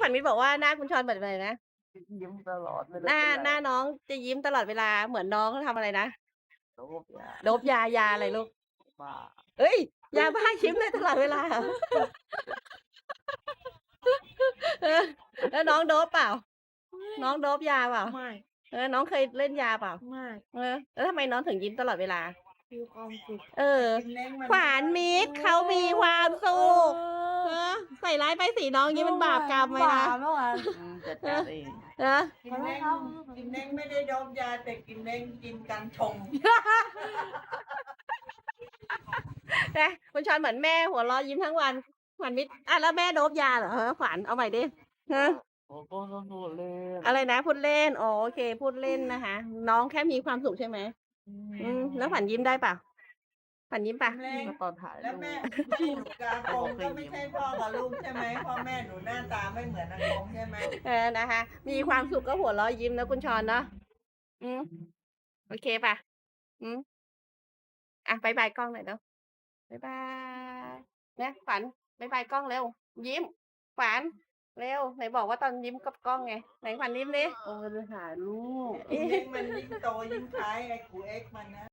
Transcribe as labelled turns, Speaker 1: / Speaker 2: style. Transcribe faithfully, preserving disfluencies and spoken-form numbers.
Speaker 1: ขวัญมิตรบอกว่าหน้าคุณชรเหมือนอะไรนะ
Speaker 2: ยิ้มตลอดไม่
Speaker 1: หน้า
Speaker 2: รู้เป็นไร
Speaker 1: หน้าน้องจะยิ้มตลอดเวลา เหมือนน้องทำอะไรนะ
Speaker 2: โดบยา
Speaker 1: โดปยา ยาอะไรลูก?
Speaker 2: บ้า
Speaker 1: เฮ้ย ยาบ้ายิ้มได้ตลอดเวลาเหรอ? เออ แล้วน้องโดปเปล่า? น้องโดปยาเปล่า?
Speaker 3: ไม่
Speaker 1: เออ น้องเคยเล่นยาเปล่า?
Speaker 3: ไม่
Speaker 1: เออ แล้วทำไมน้องถึงยิ้มตลอดเวลา?
Speaker 3: มีความสุข
Speaker 1: เออ ขวัญมิตรเขามีความสุข เออ ใส่ร้ายป้ายสีน้องอย่างงี้มันบาปกรรมไหมนะ?
Speaker 3: บาปเมื่อวาน
Speaker 2: อืม จัดการเอง
Speaker 1: เหรอ?
Speaker 4: กินเล้ง กินเล้งไม่ได้โดปยา แต่กินเล้งกินกัญชง
Speaker 1: นะ คุณชรเหมือนแม่หัวเราะยิ้มทั้งวัน ขวัญมิตร อ่า แล้วแม่โดปยาเหรอ? ฮะ ขวัญ เอาใหม่ดิ ฮะ
Speaker 2: ผมก็พูดเล่น
Speaker 1: อะไรนะ พูดเล่น อ๋อ โอเค พูดเล่นนะคะ น้องแค่มีความสุขใช่ไหม?
Speaker 2: อื
Speaker 1: อืม
Speaker 2: ม
Speaker 1: แล้วขวัญยิ้มได้เปล่า? ขวัญยิ้มเปล่า?
Speaker 4: เล้ง
Speaker 2: ก็ตอนถ่าย
Speaker 4: แล้
Speaker 2: รู
Speaker 4: ว
Speaker 2: ป
Speaker 4: แม่ แม่หนูกับอากงก็ไม่ใช่พ่อกับลูกใช่ไหม? พ่อแม่หนูหน้าตาไม่เหมือนอากงใช่ไหม?
Speaker 1: เออ นะคะ มีความสุขก็หัวเราะยิ้มนะคุณชรเนาะ อืม โอเคเปล่า? อืม อะ บ๊ายบายกล้องหน่อยเร็ว บ๊ายบาย นะขวัญ บ๊ายบายกล้องเร็ว ยิ้ม ขวัญ เร็ว ไหนบอกว่าตอนยิ้มกับกล้องไง ไหนขวัญยิ้มดิ
Speaker 2: โอ้ยไปถ่ายรูป
Speaker 4: ไอ้เล้งมันยิ่งโตยิ่งคล้ายไอ้กูเอ็กซ์มันนะ